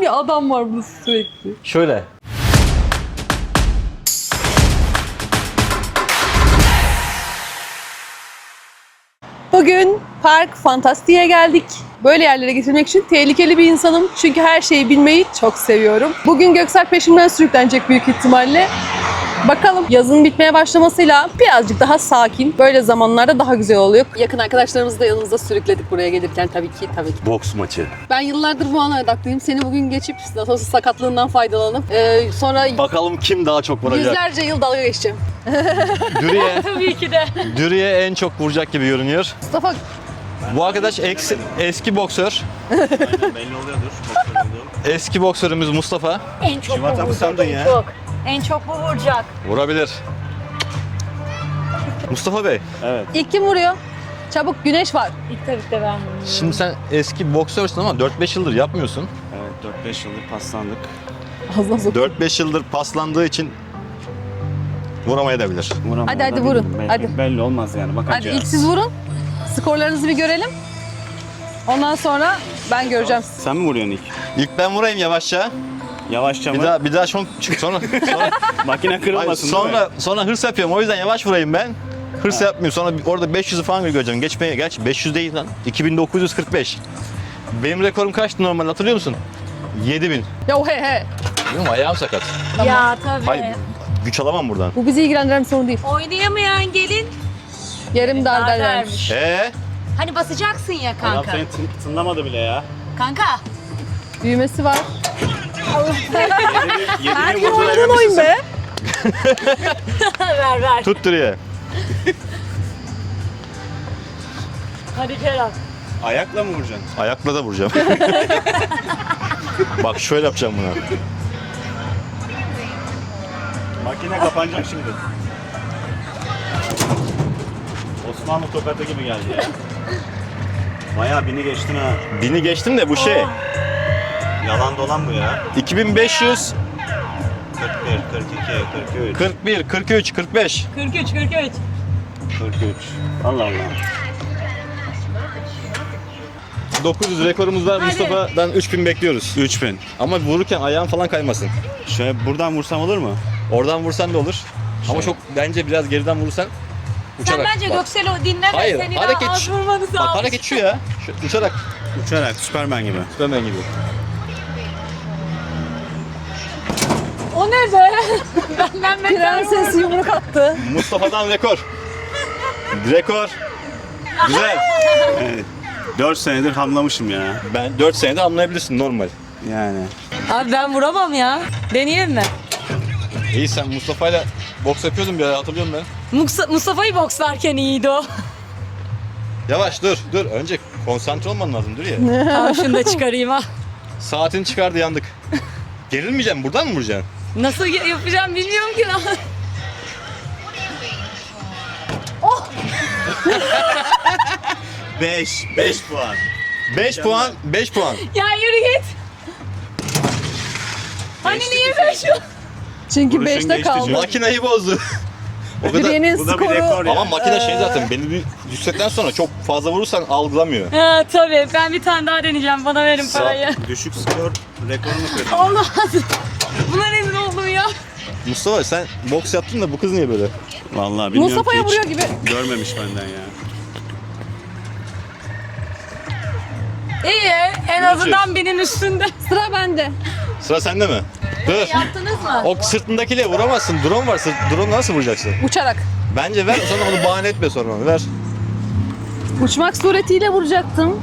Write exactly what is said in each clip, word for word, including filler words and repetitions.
bir adam var bu sürekli. Şöyle. Bugün Park Fantastik'e geldik. Böyle yerlere getirmek için tehlikeli bir insanım. Çünkü her şeyi bilmeyi çok seviyorum. Bugün Göksel peşimden sürüklenecek büyük ihtimalle. Bakalım yazın bitmeye başlamasıyla birazcık daha sakin. Böyle zamanlarda daha güzel oluyor. Yakın arkadaşlarımızı da yanımızda sürükledik buraya gelirken tabii ki tabii ki. Boks maçı. Ben yıllardır bu ana odaklıyım. Seni bugün geçip nasıl olsa sakatlığından faydalanıp e, sonra Bakalım kim daha çok vuracak. yüzlerce yıl dalga geçeceğim. Dürüye, Tabii ki de. Dürüye en çok vuracak gibi görünüyor. Mustafa Bu arkadaş eksi, eski boksör. Aynen belli oluyordur. Boksör olduğum. Eski boksörümüz Mustafa. En çok bu Civat abi vuracak, sandın en ya. çok. En çok bu vuracak. Vurabilir. Mustafa Bey, Evet. ilk kim vuruyor? Çabuk, güneş var. İlk tabii ki de ben vuruyorum. şimdi sen eski boksörsün ama dört beş yıldır yapmıyorsun. Evet dört beş yıldır paslandık. Ağzına sok. dört beş yıldır paslandığı için vuramayabilir. Vuramam Hadi, hadi da vurun, bilmiyorum. Belli, hadi. belli olmaz yani Hadi bakacağız. ilk siz vurun. Skorlarınızı bir görelim. Ondan sonra ben göreceğim. Sen mi vuruyorsun ilk? İlk ben vurayım yavaşça. Yavaşça Bir mı? daha bir daha son sonra sonra, Makine Hayır, kırılmasın değil mi? sonra sonra hırs yapıyorum. O yüzden yavaş vurayım ben. Hırs yapmıyorum. Sonra bir- orada beş yüzü falan göreceğim. Geçmeye gerçi beş yüz değil lan. iki bin dokuz yüz kırk beş. Benim rekorum kaçtı normal hatırlıyor musun? yedi bin. Ya he he. Benim ayağım sakat. Ya tabii. Hayır güç alamam buradan. Bu bizi ilgilendiren bir sorun değil. Oynayamayan gelin Yerim dar dar derlermiş. vermiş. Ee, Hani basacaksın ya Adam kanka. seni tın- tınlamadı bile ya. Kanka. Büyümesi var. Yedi, Her yedi gün vurdu, oynadığın emin oyun misin? be. ver ver. tut diye. Hadi Kerem. Ayakla mı vuracaksın? Ayakla da vuracağım. Bak şöyle yapacağım buna. Makine kapanacak şimdi. Osmanlı tokatı gibi geldi ya. Bayağı bini geçtin ha. Bini geçtim de bu şey. Yalan dolan bu ya. iki bin beş yüz kırk bir, kırk iki, kırk üç, kırk bir, kırk üç, kırk beş. kırk üç kırk üç. kırk üç. Allah Allah. dokuz yüz rekorumuz var. Mustafa'dan üç bin bekliyoruz. üç bin. Ama vururken ayağın falan kaymasın. Şöyle buradan vursam olur mu? Oradan vursan da olur. Ama Şey. çok bence biraz geriden vurursan Sen uçarak. bence Bak. Göksel'i dinleme. Hayır, Seni hareket daha az şu- vurmanı Bak sağlayacak. hareket şu ya. Şu, uçarak. Uçarak, Süpermen gibi. Süpermen gibi. O ne be? Benden beter Prenses vurdu. yumruk attı. Mustafa'dan rekor. Rekor. Güzel. Evet. dört senedir hamlamışım ya. Ben dört senede anlayabilirsin normal. Yani. Abi ben vuramam ya. Deneyelim mi? İyi sen Mustafa'yla boks yapıyordun bir ara hatırlıyorum ben. Musa- Mustafa'yı bokslarken iyiydi o. Yavaş dur dur. Önce konsantre olman lazım dur ya. Tamam şunu da çıkarayım ha. Saatini çıkardı yandık. Gerilmeyeceksin buradan mı vuracaksın? Nasıl y- yapacağım bilmiyorum ki lan. beş, beş puan. beş puan, beş puan. Ya yürü git. Hani niye ben şu? Çünkü Vuruşun beşte geçti kaldı. Makinayı bozdu. O kadar. Dürüye'nin Bu da bir skoru rekor ya. Ama makine şey zaten belli bir yüksekten sonra çok fazla vurursan algılamıyor. Ha tabii ben bir tane daha deneyeceğim. Bana verin Sağ- parayı. Düşük skor rekorunu kırdı. Olmaz. Buna rezil oldum ya. Mustafa sen boks yaptın da bu kız niye böyle? Vallahi bilmiyorum Mustafa'ya ki hiç vuruyor gibi. görmemiş benden ya. İyi en azından benim üstünde. Sıra bende. Sıra sende mi? Dur. Yaptınız mı? O sırtındakiyle vuramazsın. Drone var. Sırt, drone nasıl vuracaksın? Uçarak. Bence ver sonra onu bahane etme sonra onu ver. Uçmak suretiyle vuracaktım.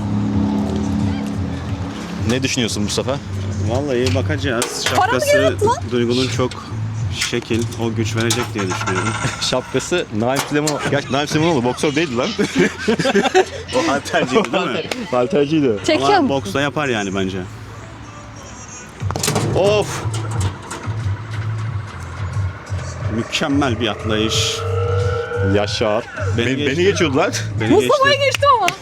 Ne düşünüyorsun Mustafa? Vallahi bakacağız. Para mı Şapkası yarattı lan? Duygu'nun çok şekil, o güç verecek diye düşünüyorum. Şapkası Naim Süleymanoğlu. Gerçi Naim Süleymanoğlu boksör değildi lan. O halterciydi değil mi? Halterciydi. Ama Çekiyorum. boksta yapar yani bence. Of. Mükemmel bir atlayış. Yaşar. Beni Beni, beni, geçti. geçiyordu lan. Beni Mustafa'ya geçti. geçti ama.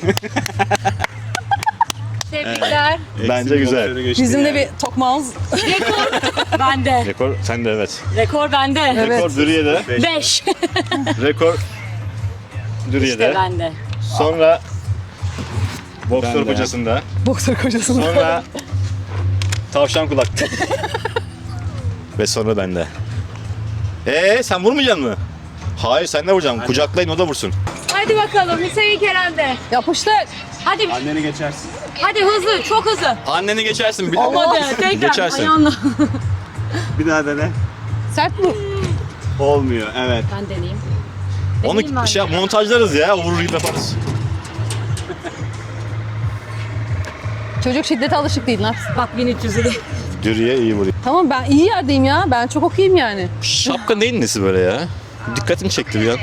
Tebrikler. Eksi Bence bir güzel. boksörü geçti Bizim de yani. bir tokmağımız. Rekor bende. Rekor sende evet. Rekor bende. Evet. Rekor Dürüye'de. Beş. Rekor Dürüye'de. İşte bende. Sonra boksör Ben de. kocasında. Boksör kocasını. Sonra Tavşan kulak. Ve sonra bende. Ee sen vurmayacaksın mı? Hayır sen de vuracaksın. Kucaklayın o da vursun. Hadi bakalım Hüseyin Kerem'de. Yapıştır. Hadi Anneni geçersin. hadi hızlı çok hızlı. Anneni geçersin. Bir... Olmadı. Tekrar Geçersin. ayağınla. Bir daha dene. Sert vur. Olmuyor evet. Ben deneyeyim. Onu Deneyeyim ben. şey yap, montajlarız ya. Vurur gibi yaparız. Çocuk şiddete alışık değil lan. Bak bin üç yüzü de. Dürüye iyi vuruyor. Tamam ben iyi yerdeyim ya. Ben çok okuyayım yani. Şapka neyin nesi böyle ya? Dikkatimi çekti bir an.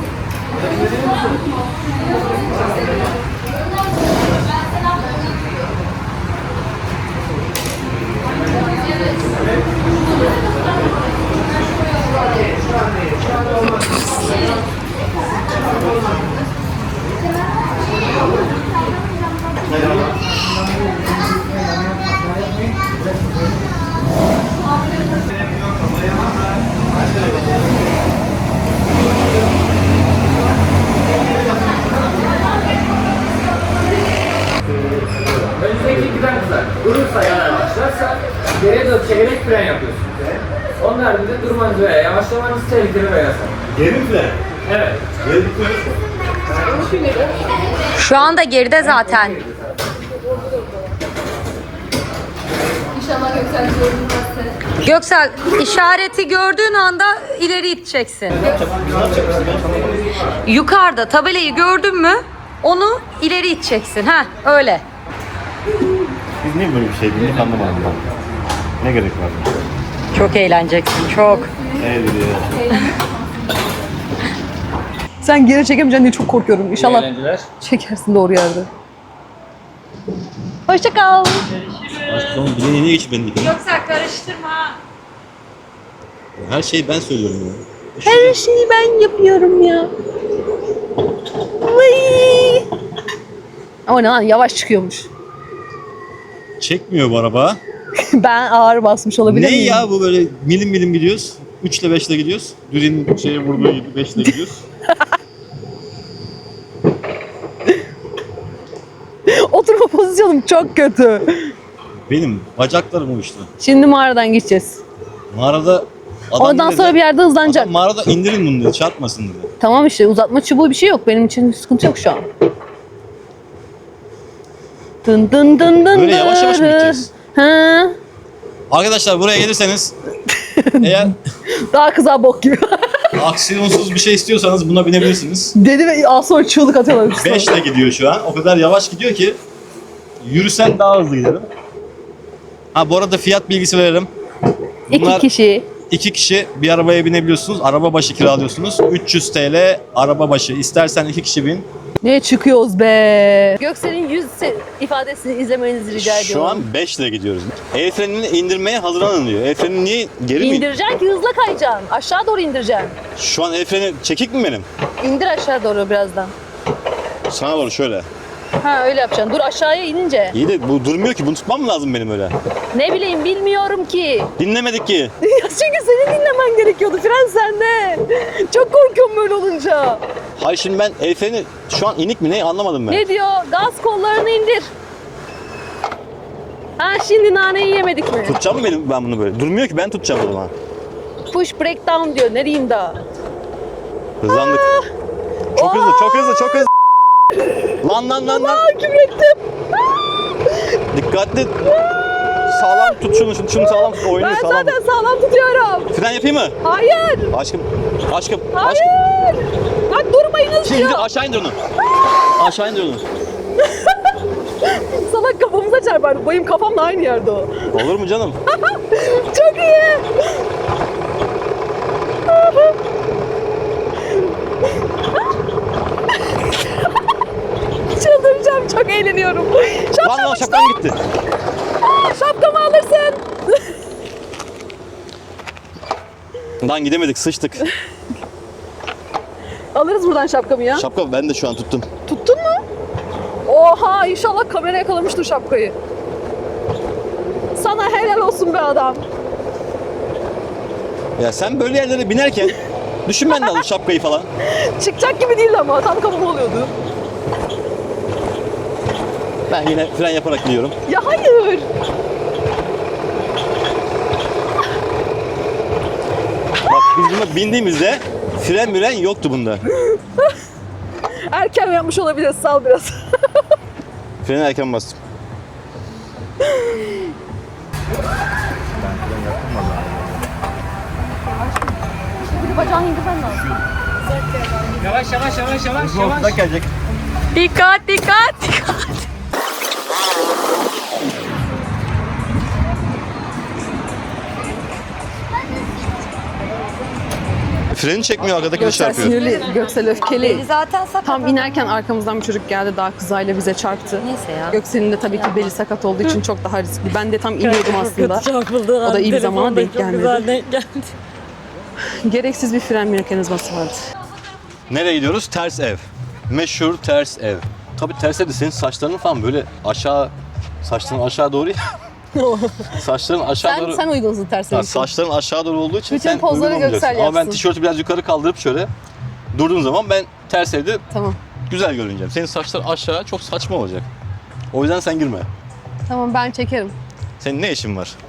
Önümüzdeki giden kızar. Durursa yana başlarsa geriye doğru çevirerek fren yapıyorsun. Onun haricinde durmanız veya yavaşlamanız tehlikeli ve yasak. Geri fren. Evet. Geri fren. Şu anda geride zaten. Göksel işareti gördüğün anda ileri iteceksin. Yukarıda tabelayı gördün mü onu ileri iteceksin. Ha öyle. Biz niye böyle bir şey bildik anlamadım ben. Ne gerek var? Çok eğleneceksin çok. Evet ya. Sen geri çekemeyeceksin diye çok korkuyorum. İnşallah Eğlenceler. çekersin doğru yerde. Hoşça kal. Tamam bileğine niye geçip beni dikelim? Göksel karıştırma. Her şeyi ben söylüyorum ya. Her şeyi ben yapıyorum ya. Vay. Ama ne lan yavaş çıkıyormuş. Çekmiyor bu araba. Ben ağır basmış olabilir Ne miyim? ya bu böyle milim milim gidiyoruz. üç ile beş ile gidiyoruz. Dürinin şeye vurduğu gibi beş ile gidiyoruz. Oturma pozisyonum çok kötü. Benim bacaklarım uyuştu. Şimdi mağaradan geçeceğiz. Mağarada adam Ondan dedi, sonra bir yerde hızlanacak. adam mağarada indirin bunu dedi, çarpmasın dedi. Tamam işte uzatma çubuğu bir şey yok. Benim için sıkıntı yok şu an. Dın dın dın dın Böyle yavaş yavaş mı dırı. gideceğiz? Ha. Arkadaşlar buraya gelirseniz eğer Daha kıza bok gibi. aksiyonsuz bir şey istiyorsanız buna binebilirsiniz. Dedi ve az sonra çığlık atıyorlar. beş ile gidiyor şu an. O kadar yavaş gidiyor ki yürüsen daha hızlı giderim. Ha bu arada fiyat bilgisi verelim. İki Bunlar kişi. iki kişi bir arabaya binebiliyorsunuz. Araba başı kiralıyorsunuz. üç yüz TL araba başı. İstersen iki kişi bin. Ne çıkıyoruz be? Göksel'in yüz se- ifadesini izlemenizi rica ediyorum. Şu an beş ile gidiyoruz. El frenini indirmeye hazırlanın diyor. El frenini niye geri mi? İndireceksin ki hızla kayacaksın. Aşağı doğru indireceksin. Şu an el freni çekik mi benim? İndir aşağı doğru birazdan. Sana doğru şöyle. Ha öyle yapacaksın. Dur aşağıya inince. İyi de bu durmuyor ki. Bunu tutmam mı lazım benim öyle? Ne bileyim bilmiyorum ki. Dinlemedik ki. Ya çünkü seni dinlemen gerekiyordu. Fren sende. Çok korkuyorum böyle olunca. Hayır şimdi ben el freni şu an inik mi ne anlamadım ben. Ne diyor? Gaz kollarını indir. Ha şimdi naneyi yemedik mi? Tutacağım mı benim ben bunu böyle? Durmuyor ki ben tutacağım o zaman. Push break down diyor. Ne diyeyim daha? Hızlandık. Çok hızlı, çok hızlı, çok hızlı. Lan lan lan lan. Aa küfrettim. Dikkatli. Sağlam tut şunu, şunu, şunu sağlam tut. Oyunu Ben sağlam. zaten sağlam tutuyorum. Fren yapayım mı? Hayır. Aşkım, aşkım, aşkım. Hayır. Bak durmayınız Şimdi diyor. aşağı indir onu. Aşağı indir onu. Salak kafamıza çarpar. Benim kafamla aynı yerde o. Olur mu canım? Çok iyi. Çıldıracağım. Çok eğleniyorum. Şapkam Lan lan işte. şapkan gitti. Şapkamı alırsın. Lan gidemedik, sıçtık. Alırız buradan şapkamı ya. Şapka ben de şu an tuttum. Tuttun mu? Oha inşallah kamera yakalamıştır şapkayı. Sana helal olsun be adam. Ya sen böyle yerlere binerken düşünmen lazım şapkayı falan. Çıkacak gibi değil ama tam kafama oluyordu. Ben yine fren yaparak gidiyorum. Ya hayır. Biz buna bindiğimizde fren miren yoktu bunda. Erken yapmış olabiliriz. Sal biraz. Freni erken bastım. Bacağını indirmen lazım. Yavaş yavaş yavaş yavaş yavaş. Ortadan gelecek. Dikkat dikkat dikkat. Freni çekmiyor, arkadaki de Göksel çarpıyor. sinirli, Göksel öfkeli. Zaten sakat. Tam inerken arkamızdan bir çocuk geldi, daha kızayla bize çarptı. Neyse ya. Göksel'in de tabii ki beli sakat olduğu için çok daha riskli. Ben de tam iniyordum aslında. O da iyi bir zamana denk gelmedi. Gereksiz bir fren mekanizması vardı. Nereye gidiyoruz? Ters ev. Meşhur ters ev. Tabii ters evde senin saçların falan böyle aşağı, saçların aşağı doğru ya. Saçların aşağı Sen, doğru. sen uygunsun terse. Ha, saçların aşağı doğru olduğu için Bütün sen pozları uygun olmayacaksın. Göksel Ama ben yapsın. tişörtü biraz yukarı kaldırıp şöyle durduğum zaman ben ters evde Tamam. güzel görüneceğim. Senin saçlar aşağı çok saçma olacak. O yüzden sen girme. Tamam, ben çekerim. Senin ne işin var?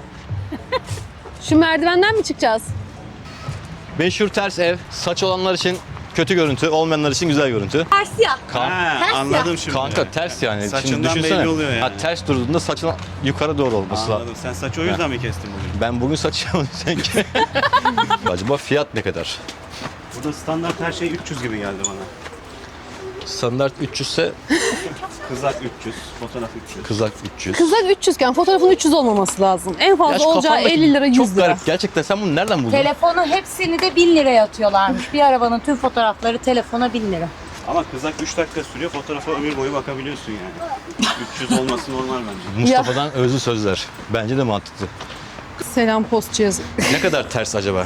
Şu merdivenden mi çıkacağız? Meşhur ters ev. Saç olanlar için kötü görüntü, olmayanlar için güzel görüntü. Ters ya. Kan- Ha, anladım şimdi. Kanka ters yani. Şimdi Saçından düşünsene. belli oluyor yani. Ha, ters durduğunda saçın yukarı doğru olması lazım. Anladım. Sen saçı o yüzden mi kestin bugün? Ben bugün saç sanki. Acaba fiyat ne kadar? Burada standart her şey üç yüz gibi geldi bana. Standart üç yüz ise Kızak üç yüz, fotoğraf üç yüz. kızak üç yüz. Kızak üç yüz iken fotoğrafın üç yüz olmaması lazım. En fazla şu olacağı kafandaki elli lira, yüz çok lira. garip. Gerçekten sen bunu nereden buldun? Telefonu hepsini de bin liraya atıyorlarmış. Bir arabanın tüm fotoğrafları telefona bin lira. Ama kızak üç dakika sürüyor, fotoğrafa ömür boyu bakabiliyorsun yani. üç yüz olması normal bence. Mustafa'dan özlü sözler. Bence de mantıklı. Selam post cihazı. Ne kadar ters acaba?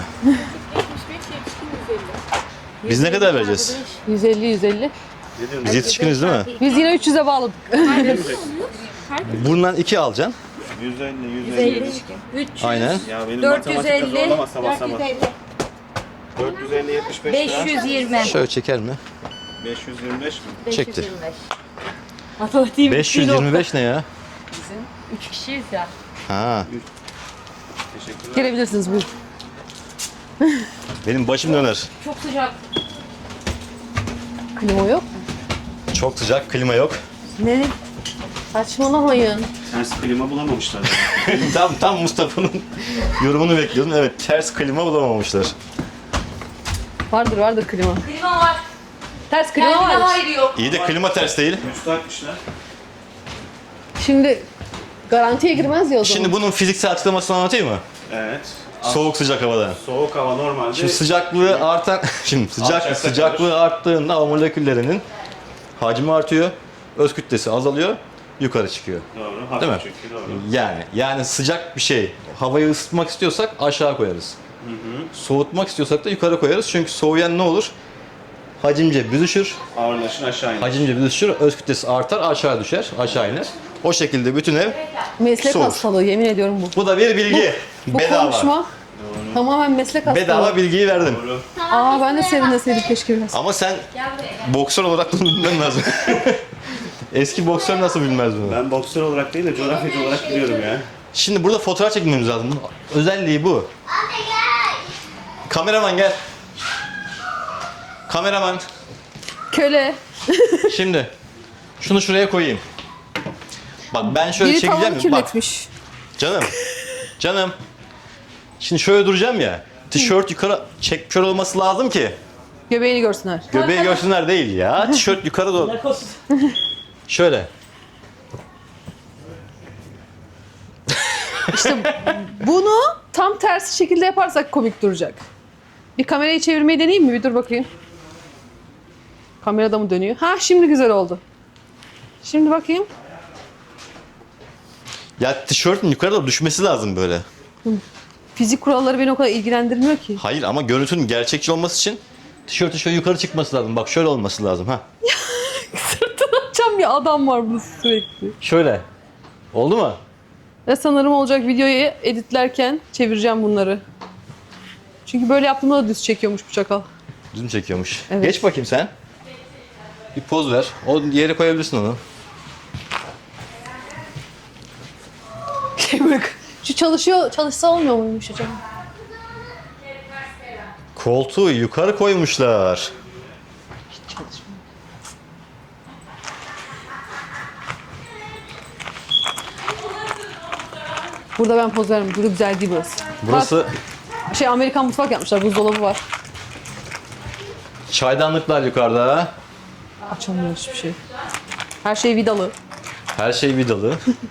Biz ne kadar vereceğiz? yüz elli yüz elli. Ne diyorsun? Biz yetişkiniz değil mi? Biz yine üç yüze bağladık. Bundan iki alacaksın. yüz elli, yüz elli. üç yüz, Aynen. Ya benim dört yüz matematikte elli, zorlama sabah dört sabah. yüz elli, dört yüz elli, yetmiş beş beş lira. yüz yirmi. Şöyle çeker mi? beş yüz yirmi beş mi? Çekti. Matematiğim beş yüz yirmi beş ne ya? üç kişiyiz ya. Ha. Teşekkürler. Gelebilirsiniz buyurun. Benim başım döner. Çok sıcak. Klima yok. Çok sıcak, klima yok. Ne? Saçmalamayın. Ters klima bulamamışlar. tam tam Mustafa'nın yorumunu bekliyordum. Evet, ters klima bulamamışlar. Vardır vardır klima. Klima var. Ters klima Kendine var. hayır yok. İyi de klima ters değil. Üstü atmışlar. Şimdi garantiye girmez ya o zaman. Şimdi bunun fiziksel açıklamasını anlatayım mı? Evet. Soğuk sıcak havada. Soğuk hava normalde. Şimdi sıcaklığı artan, şimdi sıcak Alçakta sıcaklığı arttığında o moleküllerinin hacmi artıyor, öz kütlesi azalıyor, yukarı çıkıyor. Doğru. Hafif Değil mi? çünkü doğru. Yani yani sıcak bir şey, havayı ısıtmak istiyorsak aşağı koyarız. Soğutmak istiyorsak da yukarı koyarız. Çünkü soğuyan ne olur? Hacimce büzüşür, Ağırlaşın aşağı iner. hacimce büzüşür, öz kütlesi artar, aşağı düşer, aşağı iner. O şekilde bütün ev Meslek soğur. hastalığı yemin ediyorum bu. Bu da bir bilgi. Bu Bedava. konuşma tamamen meslek hastalığı. Bedava bilgiyi verdim. Doğru. Aa ben de serinleseydim keşke biraz. Ama sen boksör olarak bunu bilmen lazım. Eski boksör nasıl bilmez bunu? Ben boksör olarak değil de coğrafyacı olarak biliyorum ya. Şimdi burada fotoğraf çekmemiz lazım. Bunun özelliği bu. Kameraman gel. Kameraman. Köle. Şimdi şunu şuraya koyayım. Bak ben şöyle Biri çekeceğim. tavanı Bak kirletmiş. canım. Canım. Şimdi şöyle duracağım ya. Tişört yukarı çekmiş olması lazım ki Göbeğini görsünler. göbeği görsünler değil ya. Tişört yukarı doğru. Şöyle. Bunu tam tersi şekilde yaparsak komik duracak. Bir kamerayı çevirmeyi deneyeyim mi? Bir dur bakayım. Kamerada mı dönüyor? Ha şimdi güzel oldu. Şimdi bakayım. Ya tişörtün yukarı doğru düşmesi lazım böyle. Fizik kuralları beni o kadar ilgilendirmiyor ki. Hayır ama görüntünün gerçekçi olması için tişörtün şöyle yukarı çıkması lazım. Bak şöyle olması lazım ha. Sırtını açan bir adam var burada sürekli. Şöyle. Oldu mu? Ve sanırım olacak videoyu editlerken çevireceğim bunları. Çünkü böyle yaptığımda da düz çekiyormuş bu çakal. Düz mü çekiyormuş? Evet. Geç bakayım sen. Bir poz ver. O yere koyabilirsin onu. Şu çalışıyor, çalışsa olmuyor muymuş acaba? Koltuğu yukarı koymuşlar. Burada ben poz vermem. Burada güzel değil burası. Burası Bak, şey Amerikan mutfak yapmışlar. Buzdolabı var. çaydanlıklar yukarıda. Açamıyor hiçbir şey. Her şey vidalı. Her şey vidalı.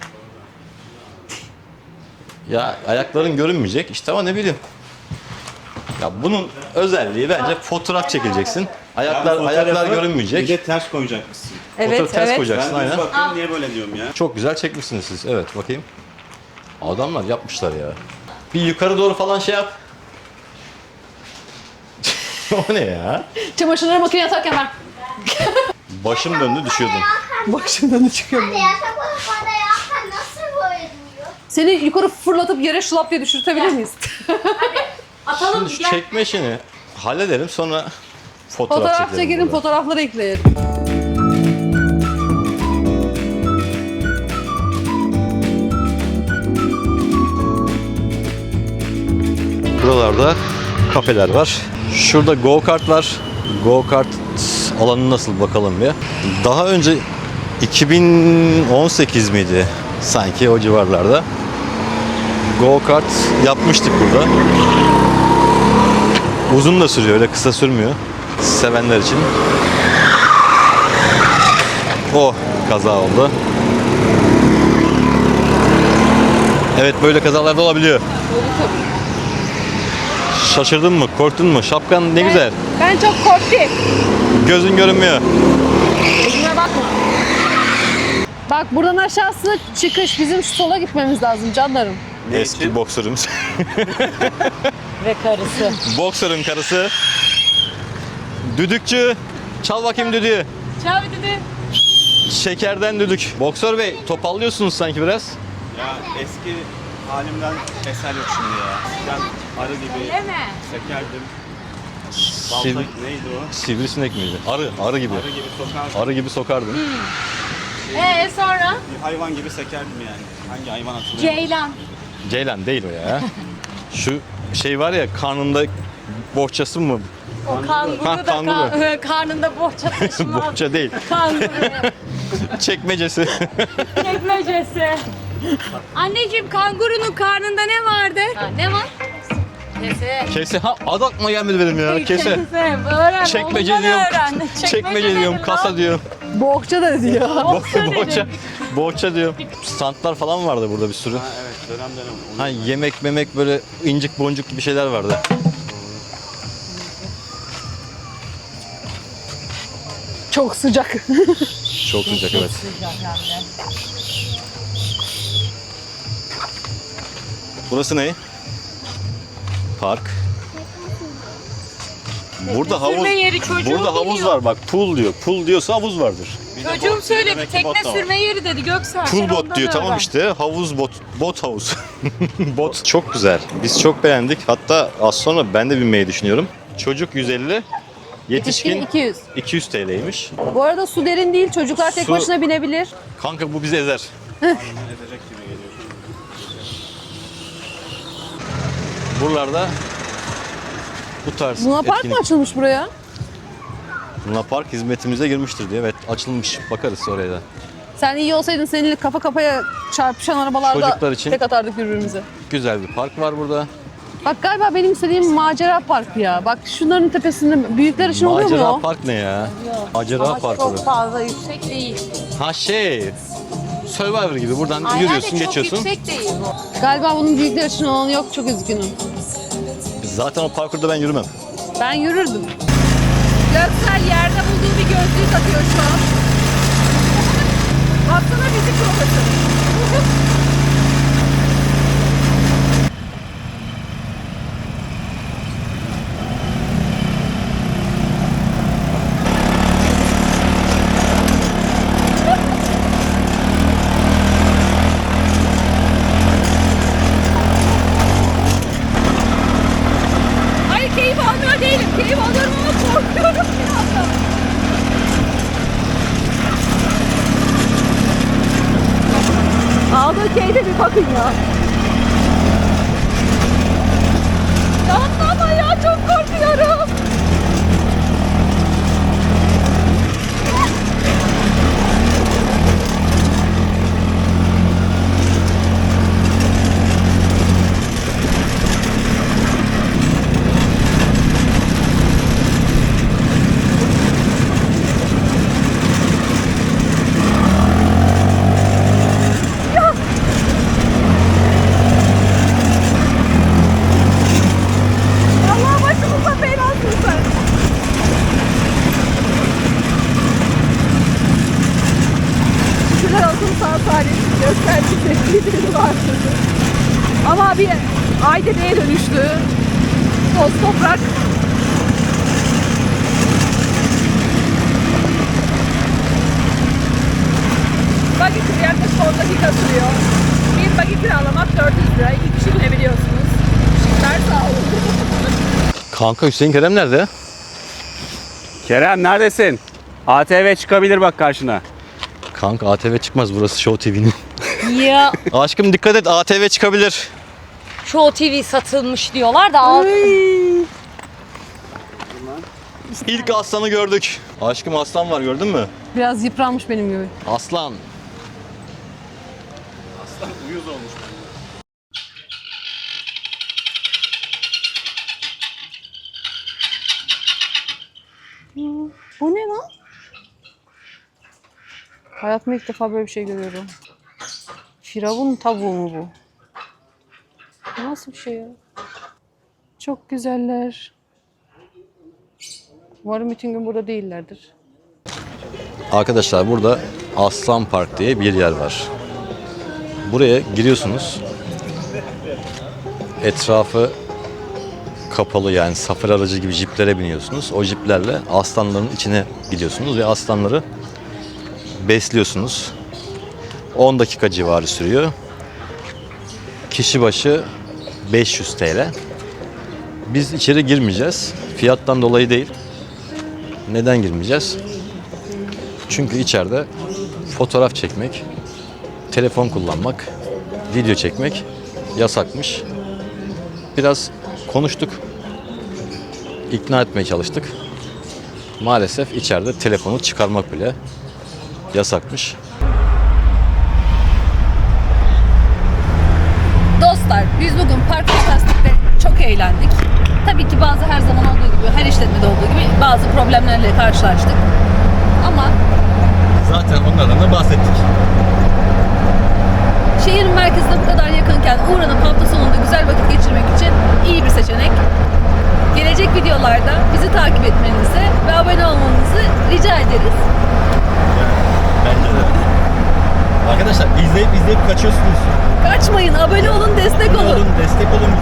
Ya ayakların görünmeyecek işte ama ne bileyim. Ya bunun özelliği bence fotoğraf çekileceksin. Ayaklar Yani ayaklar fotoğrafı görünmeyecek. Bir de ters koyacakmışsın. Evet, Fotoğrafı ters evet. koyacaksın Ben düz aynen. bakıyorum niye böyle diyorum ya. Çok güzel çekmişsiniz siz. Evet bakayım. Adamlar yapmışlar ya. Bir yukarı doğru falan şey yap. O ne ya? Çamaşırları makineye atarken ben Başım döndü düşüyordum. başımdan da çıkıyorum. Hadi yatak odasında yakan nasıl böyle duruyor? Seni yukarı fırlatıp yere şılap diye düşürtebilir miyiz? Atalım. Şimdi şu Gel. çekme işini halledelim sonra fotoğraf, Fotoğraf çekelim. çekelim, burada. fotoğrafları ekleyelim. Buralarda kafeler var. Şurada go kart var. Go kart alanı nasıl bakalım bir. Daha önce iki bin on sekiz miydi? Sanki o civarlarda. Go kart yapmıştık burada. Uzun da sürüyor, öyle kısa sürmüyor. Sevenler için. O kaza oldu. Evet, böyle kazalar da olabiliyor. Şaşırdın mı? Korktun mu? Şapkan ne güzel. Ben çok korktum. Gözün görünmüyor. Gözüme bakma. Bak buradan aşağısı çıkış. Bizim şu sola gitmemiz lazım canlarım. Ne Eski için? boksörümüz. Ve karısı. Boksörün karısı. Düdükçü. Çal bakayım düdüğü. Çal dedi. Şekerden düdük. Boksör bey, topallıyorsunuz sanki biraz. Ya eski halimden eser yok şimdi ya. Ben arı gibi sekerdim. Balta Sivri, neydi o? sivrisinek miydi? Arı, arı gibi. Arı gibi sokardım. Arı gibi sokardın. Ee sonra? Bir hayvan gibi sekerdim yani. Hangi hayvan hatırlıyorum? Ceylan. Ceylan değil o ya. Şu şey var ya, karnında bohçası mı? O kanguru Ha, da kanguru. ka- karnında bohça taşımaz. Bohça değil. Kanguru. Çekmecesi. Çekmecesi. Anneciğim kangurunun karnında ne vardı? Ha, ne var? Kese. Kese. Ha, adı aklıma gelmedi benim ya. Kese. Öğren. Çekmece oğlundan diyorum. öğren. Çekmece diyorum, nedir kasa lan? diyorum. Bohça da diyor. Bo- bohça, bohça diyorum. Standlar falan vardı burada bir sürü. Ha evet dönem dönem. Onu Ha, yemek memek böyle incik boncuk gibi şeyler vardı. Çok sıcak. Çok sıcak, evet. Burası ne? Park. Burada havuz. Sürme yeri çocuğum Burada havuz biliyor. var bak. Pool diyor. Pool diyorsa havuz vardır. Bir de Çocuğum bot- söyledi demek ki tekne bot da var. sürme yeri dedi Göksel. Pool Sen bot ondan diyor, tamam öğren. işte. Havuz bot. Bot havuz. Bot. Çok güzel. Biz çok beğendik. Hatta az sonra ben de binmeyi düşünüyorum. Çocuk yüz elli. Yetişkin Yetişkin iki yüz. iki yüz T L'ymiş. Bu arada su derin değil. Çocuklar tek Su- başına binebilir. Kanka bu bizi ezer. Ezecek gibi geliyor. Buralarda bu tarz Luna Park mı etkinlik. açılmış buraya? Luna Park hizmetimize girmiştir diye. Evet, açılmış. Bakarız oraya da. Sen iyi olsaydın seninle kafa kafaya çarpışan arabalarda Çocuklar için- tek atardık birbirimize. Güzel bir park var burada. Bak galiba benim istediğim macera parkı ya. Bak şunların tepesinde büyükler için oluyor mu Macera o? park ne ya? Macera Ama parkı. çok fazla yüksek değil. Ha şey. Survivor gibi buradan Aynen yürüyorsun, de çok geçiyorsun. yüksek değil bu. Galiba bunun büyükler için olanı yok. Çok üzgünüm. Zaten o parkurda ben yürümem. Ben yürürdüm. Göksel yerde bulduğu bir gözlüğü takıyor şu an. Baksana bizi profesör. Hayır keyif almıyor değilim. Keyif alıyorum ama korkuyorum bir anda. Aldığı keyfe bir bakın ya. Yapma ama ya çok korkuyorum. Dünya bir Aydere'ye dönüştü. Toz toprak. Buggy tur yaklaşık on dakika sürüyor. Bir buggy kiralamak dört yüz lira. İki kişi binebiliyorsunuz. Teşekkürler, sağ olun. Kanka Hüseyin Kerem nerede? Kerem neredesin? A T V çıkabilir bak karşına. Kanka A T V çıkmaz, burası Show T V'nin. Ya Aşkım dikkat et, A T V çıkabilir. Show T V satılmış diyorlar da al. İlk aslanı gördük. Aşkım aslan var, gördün mü? Biraz yıpranmış benim gibi. Aslan. Uyuz olmuş. Bu ne lan? Hayatımda ilk defa böyle bir şey görüyorum. Firavun tavuğu mu bu? Bu nasıl bir şey ya? Çok güzeller. Umarım bütün gün burada değillerdir. Arkadaşlar burada Aslan Park diye bir yer var. Buraya giriyorsunuz. Etrafı kapalı, yani safari aracı gibi jiplere biniyorsunuz. O jiplerle aslanların içine gidiyorsunuz ve aslanları besliyorsunuz. on dakika civarı sürüyor. Kişi başı beş yüz T L. Biz içeri girmeyeceğiz. Fiyattan dolayı değil. Neden girmeyeceğiz? Çünkü içeride fotoğraf çekmek, telefon kullanmak, video çekmek yasakmış. Biraz konuştuk, ikna etmeye çalıştık. Maalesef içeride telefonu çıkarmak bile yasakmış. Dostlar, biz bugün Park Fantastik'te çok eğlendik. Tabii ki bazı her zaman olduğu gibi, her işletmede olduğu gibi bazı problemlerle karşılaştık. Ama Zaten onlardan da bahsettik. şehrin merkezine bu kadar yakınken uğranıp hafta sonunda güzel vakit geçirmek için iyi bir seçenek. Gelecek videolarda bizi takip etmenizi ve abone olmanızı rica ederiz. Bence de. Arkadaşlar izleyip izleyip kaçıyorsunuz. Kaçmayın, abone olun, destek olun. Olun, destek olun